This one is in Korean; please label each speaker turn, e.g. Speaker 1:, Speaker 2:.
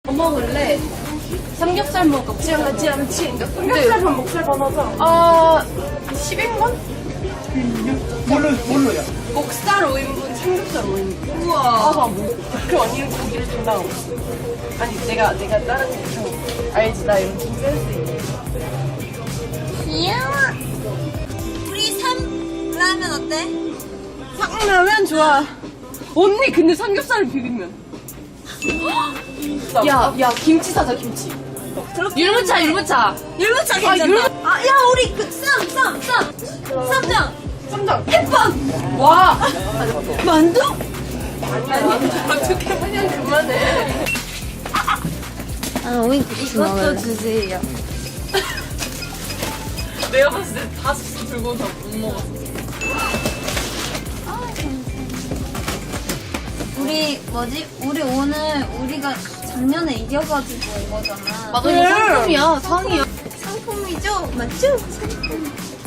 Speaker 1: 뭐 먹을래? 삼겹살 먹을까?
Speaker 2: 지하지 않지. 삼겹살 반 목살 반 하자.
Speaker 1: 10인분?
Speaker 3: 뭘로야?
Speaker 1: 목살 5인분, 삼겹살 5인분.
Speaker 2: 우와.
Speaker 1: 봐봐, 뭐. 그 언니는 고기를 준다고. 아니, 내가 다른 거 알지? 나 이런 좀 센스 있게.
Speaker 4: 귀여워. 우리 삼라면 어때?
Speaker 1: 라면 좋아. 언니, 근데 삼겹살을 비비면. 야, 김치 사자, 김치. 율무차.
Speaker 4: 율무차 괜찮다. 야, 우리 그 쌈장.
Speaker 1: 쌈장. 햇반! 와!
Speaker 4: 만두?
Speaker 1: 아니, 어떻게 그냥 그만해.
Speaker 4: 이것도 주세요.
Speaker 1: 내가 봤을 때 5개 들고 다 못 먹었어.
Speaker 4: 우리 오늘 우리가 작년에 이겨가지고 온 거잖아.
Speaker 1: 맞아, 이거 상품이야, 상이야.
Speaker 4: 상품이죠? 맞죠?